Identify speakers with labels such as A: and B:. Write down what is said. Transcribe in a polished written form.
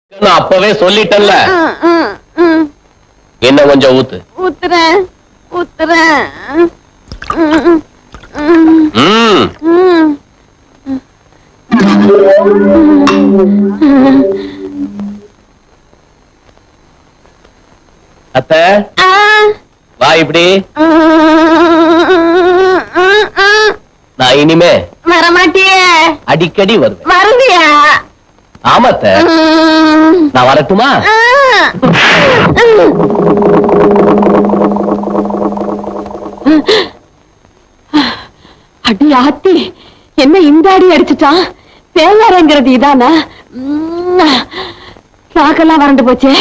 A: நான் அப்பவே சொல்லிட்டேன்ல. என்ன கொஞ்சம் ஊத்து.
B: ஊத்துறேன் ஊத்துறேன்.
A: அத்த வா இப்படி. நான் இனிமே
B: வரமாட்டியே.
A: அடிக்கடி வருவேன்.
B: வருவியா?
A: ஆமாத்த. நான் வரட்டுமா?
B: அடி ஆத்தி, என்ன இந்த அடி அடிச்சுட்டான்? தேங்காரங்கிறது இதானா? நாக்கெல்லாம் வறண்டு போச்சே.